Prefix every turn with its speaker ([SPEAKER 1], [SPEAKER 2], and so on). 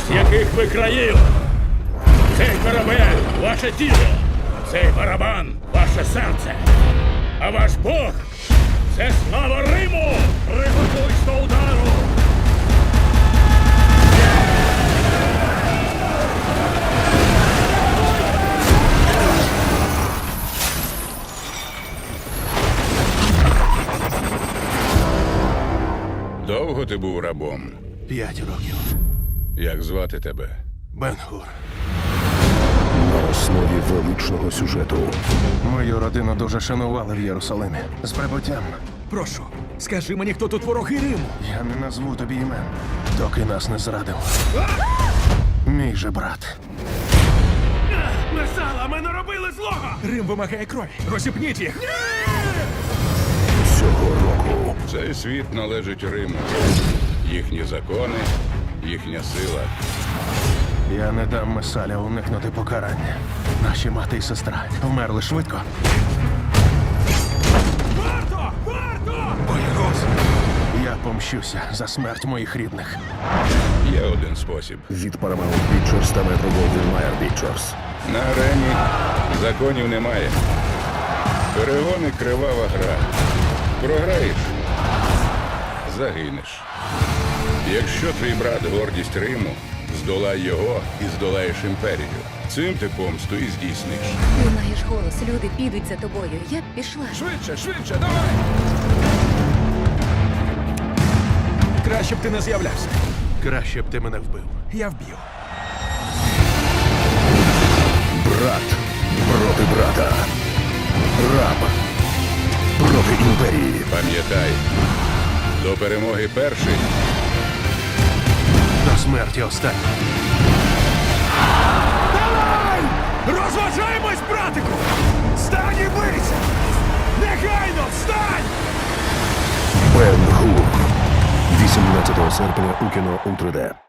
[SPEAKER 1] з яких ви країв. Цей корабель – ваше тіло, цей барабан – ваше серце. А ваш Бог – це слава Риму! Приготуйсь до удару!
[SPEAKER 2] Довго ти був рабом?
[SPEAKER 3] 5 років.
[SPEAKER 2] Як звати тебе?
[SPEAKER 3] Бен-Гур.
[SPEAKER 4] На основі величного сюжету.
[SPEAKER 3] Мою родину дуже шанували в Єрусалимі. З прибуттям.
[SPEAKER 5] Прошу, скажи мені, хто тут вороги Риму?
[SPEAKER 3] Я не назву тобі імен, доки нас не зрадив. Мій же брат.
[SPEAKER 5] Месала, ми не робили злого! Рим вимагає крові. Розіпніть їх!
[SPEAKER 4] Цього року
[SPEAKER 2] Цей світ належить Риму. Їхні закони, їхня сила.
[SPEAKER 3] Я не дам Месаля уникнути покарання. Наші мати і сестра вмерли швидко.
[SPEAKER 5] Варто! Варто! Я
[SPEAKER 3] помщуся за смерть моїх рідних.
[SPEAKER 2] Є один спосіб.
[SPEAKER 4] від Paramount Pictures та Metro-Goldwyn-Mayer Pictures.
[SPEAKER 2] На арені законів немає. Перегони – кривава гра. Програєш – загинеш. Якщо твій брат – гордість Риму, здолай його і здолаєш імперію. Цим ти помсту і здійсниш.
[SPEAKER 6] Ти маєш голос, люди підуть за тобою. Я б пішла.
[SPEAKER 5] Швидше, швидше, давай! Краще б ти не з'являвся.
[SPEAKER 3] Краще б ти мене вбив.
[SPEAKER 5] Я вб'ю.
[SPEAKER 4] Брат проти брата. Раб проти імперії.
[SPEAKER 2] Пам'ятай, до перемоги перший.
[SPEAKER 3] До смерті останній.
[SPEAKER 5] Давай! Розважаємось, братику! Встань і бийся! Негайно, встань!
[SPEAKER 4] Бен-Гур. 18 серпня у кіно у 3D.